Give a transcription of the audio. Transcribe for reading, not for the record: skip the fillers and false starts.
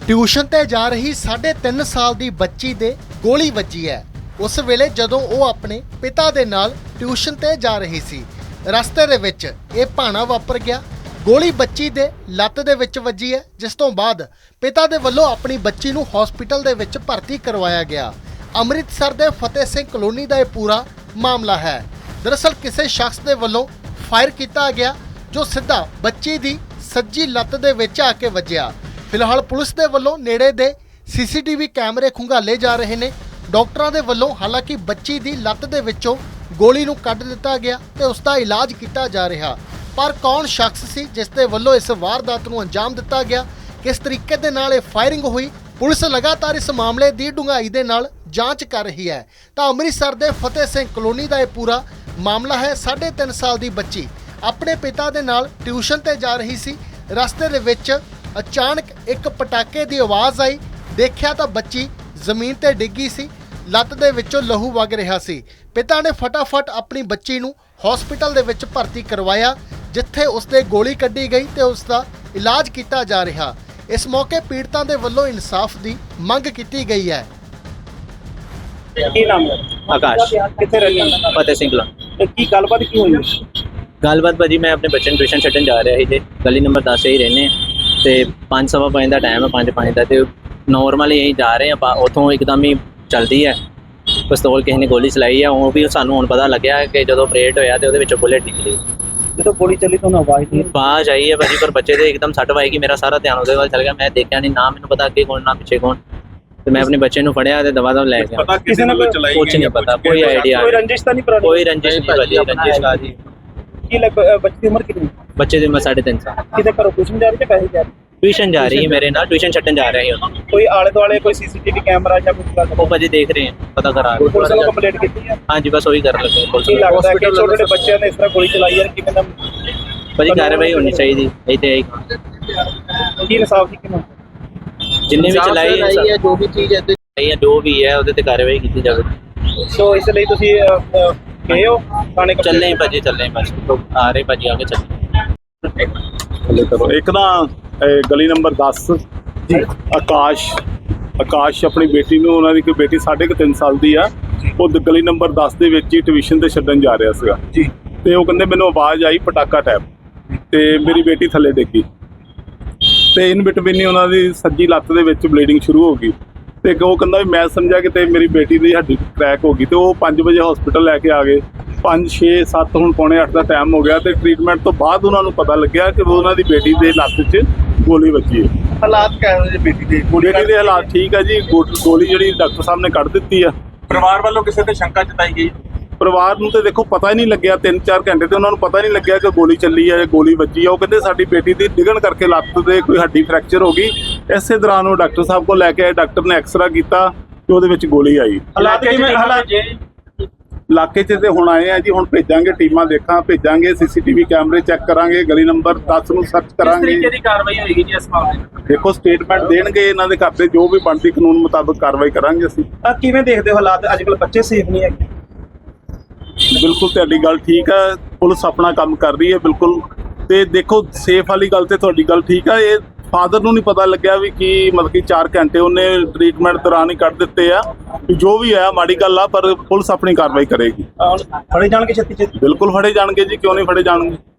Tuition ते जा रही 3.5 साल दी बच्ची दे गोली वजी है। उस वेले जदों वो अपने पिता दे नाल ट्यूशन ते जा रही सी, रस्ते दे विच ये भाना वापर गया। गोली बच्ची दे लत्त दे विच वजी है, जिस तो बाद पिता दे वल्लों अपनी बच्ची नूं हॉस्पिटल दे विच भर्ती करवाया गया। अमृतसर दे फतेह सिंह कलोनी दा ये पूरा मामला है। दरअसल किसी शख्स दे वल्लों फायर किया गया जो सीधा बच्ची दी सज्जी लत्त दे विच आके वजिया। फिलहाल पुलिस दे वल्लों नेड़े दे सीसीटीवी कैमरे खंगाले जा रहे ने। डॉक्टरां दे वल्लों हालांकि बच्ची दी लत्त दे विचों गोली नूं कढ दिता गया ते उसका इलाज किया जा रहा, पर कौन शख्स सी जिस दे वल्लों इस वारदात नूं अंजाम दिता गया, किस तरीके दे नाल इह फायरिंग हुई, पुलिस लगातार इस मामले की डूंघाई दे नाल जांच कर रही है। तो अमृतसर दे फतेह सिंह कलोनी का यह पूरा मामला है। 3.5 साल की बच्ची अपने पिता दे नाल ट्यूशन ते जा रही सी। रस्ते दे विच अचानक एक पटाके की आवाज़ आई, देखिया तो बच्ची जमीन ते डिग्गी सी, लत्त दे विचों लहू वग रहा सी। पिता ने फटाफट अपनी बच्ची नूं हॉस्पिटल दे विच भर्ती करवाया, जिथे उसदे गोली कड्ढी गई ते उसका इलाज किया जा रहा। इस मौके पीड़ितां दे वल्लों इंसाफ की मंग की गई है। ਕੀ ਨਾਮ ਹੈ? आकाश ਕਿੱਥੇ ਰਹਿੰਦੇ ਹੋ? फतेह सिंह कलों ਤੇ ਕੀ ਗੱਲਬਾਤ ਕੀ ਹੋਈ? गलबात भाजी मैं अपने बच्चे ट्यूशन छड्डन जा रहा ही गली नंबर 10 से ही रहने तो 5:15 का टाइम है, 5:05 का। तो नॉर्मली यहीं जा रहे हैं, उतों एकदम ही चलती है पिस्तौल किसी ने गोली चलाई है। वो भी सानू हुण पता लग्या कि जो ऑपरेट होया तो उसदे बुलेट निकली। ਜਦੋਂ ਗੋਲੀ ਚੱਲੀ ਤੁਹਾਨੂੰ ਆਵਾਜ਼ ਨਹੀਂ आवाज आई है भाजी, पर बच्चे से एकदम सट पाई कि मेरा सारा ध्यान उसदे वाल चल गया। मैं देखा नहीं, ना मैंने पता अगे कौन ना पीछे कौन। तो मैं अपने बच्चे ਨੂੰ ਫੜਿਆ ਤੇ ਦਵਾ ਲੈ ਗਿਆ। ਪਤਾ ਕਿਸੇ ਨੇ ਚਲਾਈ कुछ नहीं पता, कोई आइडिया ਕੋਈ ਰੰਜਿਸ਼ ਤਾਂ ਨਹੀਂ ਪੁਰਾਣੀ? कोई रंजिश नहीं भाजी, रंजिश का जी। ਕੀ ਲੱਗ ਬੱਚੀ ਦੀ ਉਮਰ ਕਿੰਨੀ? बच्चे ਦੀ उम्र 3.5 साल। ਕਿਤੇ ਘਰੋਂ ਟਿਊਸ਼ਨ ਜਾ ਰਹੀ ਹੈ ਪੈਸੇ ਜਾ ਰਹੀ? ट्यूशन जा रही है मेरे नाल, ट्यूशन छड्डन जा रहे हैं। ਕੋਈ ਆਲੇ ਦੁਆਲੇ ਕੋਈ ਸੀਸੀਟੀਵੀ ਕੈਮਰਾ ਜਾਂ ਕੁਝ ਲੱਗ वो भाजी देख रहे हैं, पता करा रहे हैं। ਪੁਲਿਸ ਨੂੰ ਕੰਪਲੇਂਟ ਕੀਤੀ ਹੈ? हाँ जी, बस वही कर लगे पुलिस ਕੀ ਲੱਗਦਾ ਹੈ ਕਿ ਛੋਟੇ ਛੋਟੇ ਬੱਚਿਆਂ ਨੇ ਇਸ ਤਰ੍ਹਾਂ ਗੋਲੀ ਚਲਾਈ ਹੈ, ਕਿਵੇਂ ਦਾ भाजी कार्रवाई होनी चाहिए। यही तो यही ਕੀ ਇਨਸਾਫ ਦੀ ਕਿਵੇਂ? जिन्हें भी चलाई है, जो भी चीज है जो भी है ਉਹਦੇ ਤੇ कार्रवाई की जाए। ਸੋ ਇਸ ਲਈ ਤੁਸੀਂ ਗਏ ਹੋ ਥਾਣੇ? ਚੱਲੇ ਹੀ ਭਾਜੀ, ਚੱਲੇ ਬਸ ਆ ਰਹੇ ਭਾਜੀ, ਆਗੇ ਚੱਲੇ। ਇੱਕ ਨਾ ਗਲੀ ਨੰਬਰ 10 ਜੀ ਆਕਾਸ਼ ਆਪਣੀ ਬੇਟੀ ਨੂੰ, ਉਹਨਾਂ ਦੀ ਕੋਈ ਬੇਟੀ 3.5 ਸਾਲ ਦੀ ਆ, ਉਹ ਗਲੀ ਨੰਬਰ 10 ਦੇ ਵਿੱਚ ਹੀ ਟਿਊਸ਼ਨ ਤੇ ਛੱਡਣ ਜਾ ਰਿਹਾ ਸੀਗਾ ਜੀ। ਤੇ ਉਹ ਕਹਿੰਦੇ ਮੈਨੂੰ ਆਵਾਜ਼ ਆਈ ਪਟਾਕਾ ਟੈਪ, ਤੇ ਮੇਰੀ ਬੇਟੀ ਥੱਲੇ ਡਿੱਗੀ ਤੇ ਇਨ ਬਿਟਵੀਨ ਹੀ ਉਹਨਾਂ ਦੀ ਸੱਜੀ ਲੱਤ ਦੇ ਵਿੱਚ ਬਲੀਡਿੰਗ ਸ਼ੁਰੂ ਹੋ ਗਈ। ਤੇ ਉਹ ਕਹਿੰਦਾ ਵੀ ਮੈਂ ਸਮਝਿਆ ਕਿ ਤੇ ਮੇਰੀ ਬੇਟੀ ਦੀ ਹੱਡੀ ਕ੍ਰੈਕ ਹੋ ਗਈ। ਤੇ ਉਹ 5 ਵਜੇ ਹਸਪੀਟਲ ਲੈ ਕੇ ਆ ਗਏ। 5, 6, 7 ਹੁਣ ਪੌਣੇ 8 ਦਾ ਟਾਈਮ ਹੋ ਗਿਆ ਤੇ ਟ੍ਰੀਟਮੈਂਟ ਤੋਂ ਬਾਅਦ ਉਹਨਾਂ ਨੂੰ ਪਤਾ ਲੱਗਿਆ ਕਿ ਉਹਨਾਂ ਦੀ ਬੇਟੀ ਦੇ ਲੱਤ 'ਚ ਗੋਲੀ ਵੱਜੀ ਹੈ। ਹਾਲਾਤ ਕਿਹੋ ਜਿਹੇ ਬੇਟੀ ਦੇ? ਬੇਟੀ ਦੇ ਹਾਲਾਤ ਠੀਕ ਆ ਜੀ। ਗੋਲੀ ਜਿਹੜੀ ਡਾਕਟਰ ਸਾਹਿਬ ਨੇ ਕੱਢ ਦਿੱਤੀ ਆ। ਪਰਿਵਾਰ ਵੱਲੋਂ ਕਿਸੇ ਤੇ ਸ਼ੰਕਾ ਜਤਾਈ ਗਈ? ਪਰਿਵਾਰ ਨੂੰ ਤੇ ਦੇਖੋ ਪਤਾ ਹੀ ਨਹੀਂ ਲੱਗਿਆ, 3-4 ਘੰਟੇ ਤੇ ਉਹਨਾਂ ਨੂੰ ਪਤਾ ਹੀ ਨਹੀਂ ਲੱਗਿਆ ਕਿ ਗੋਲੀ ਚੱਲੀ ਹੈ, ਗੋਲੀ ਵੱਜੀ ਆ। ਉਹ ਕਹਿੰਦੇ ਸਾਡੀ ਬੇਟੀ ਦੀ ਡਿੱਗਣ ਕਰਕੇ ਲੱਤ ਦੇ ਕੋਈ ਹੱਡੀ ਫ੍ਰੈਕਚਰ ਹੋ ਗਈ। ਇਸੇ ਦੌਰਾਨ ਉਹ ਡਾਕਟਰ ਸਾਹਿਬ ਕੋਲ ਲੈ ਕੇ ਆਏ। ਡਾਕਟਰ ਨੇ ਐਕਸਰਾ ਕੀਤਾ ਤੇ ਉਹਦੇ ਵਿੱਚ ਗੋਲੀ ਆਈ। ਹਾਲਾਤ ਕਿਵੇਂ? ਹਾਲਾਤ ਇਲਾਕੇ 'ਚ ਤੇ ਹੁਣ ਆਏ ਆ ਜੀ, ਹੁਣ ਭੇਜਾਂਗੇ ਟੀਮਾਂ, ਭੇਜਾਂਗੇ ਸੀਸੀਟੀਵੀ ਕੈਮਰੇ ਚੈੱਕ ਕਰਾਂਗੇ, ਗਲੀ ਨੰਬਰ 10 ਨੂੰ ਸਰਚ ਕਰਾਂਗੇ। ਤਰੀਕੇ ਦੀ ਕਾਰਵਾਈ ਹੋਏਗੀ ਜੀ ਇਸ ਮਾਮਲੇ? ਦੇਖੋ ਸਟੇਟਮੈਂਟ ਦੇਣਗੇ ਇਹਨਾਂ ਦੇ ਘਰ ਦੇ, ਜੋ ਵੀ ਬਣਦੀ ਕਾਨੂੰਨ ਮੁਤਾਬਕ ਕਾਰਵਾਈ ਕਰਾਂਗੇ ਅਸੀਂ। ਕਿਵੇਂ ਦੇਖਦੇ ਹੋ ਹਾਲਾਤ? ਅੱਜ ਕੱਲ੍ਹ ਬੱਚੇ ਸੇਫ ਨਹੀਂ ਹੈਗੇ? ਬਿਲਕੁਲ ਤੁਹਾਡੀ ਗੱਲ ਠੀਕ ਹੈ, ਪੁਲਿਸ ਆਪਣਾ ਕੰਮ ਕਰ ਰਹੀ ਹੈ ਬਿਲਕੁਲ। ਤੇ ਦੇਖੋ ਸੇਫ ਵਾਲੀ ਗੱਲ ਤੇ ਤੁਹਾਡੀ ਗੱਲ ਠੀਕ ਹੈ। ਇਹ ਫਾਦਰ ਨੂੰ ਨਹੀਂ ਪਤਾ ਲੱਗਿਆ ਵੀ ਕੀ ਮਤਲਬ ਕਿ 4 ਘੰਟੇ ਉਹਨੇ ਟ੍ਰੀਟਮੈਂਟ ਦੌਰਾਨ ਹੀ ਕੱਢ ਦਿੱਤੇ ਆ। ਜੋ ਵੀ ਹੈ ਮਾੜੀ ਗੱਲ ਆ, ਪਰ ਪੁਲਿਸ ਆਪਣੀ ਕਾਰਵਾਈ ਕਰੇਗੀ। ਫੜੇ ਜਾਣਗੇ ਛੇਤੀ ਛੇਤੀ? ਬਿਲਕੁਲ ਫੜੇ ਜਾਣਗੇ ਜੀ, ਕਿਉਂ ਨਹੀਂ ਫੜੇ ਜਾਣਗੇ।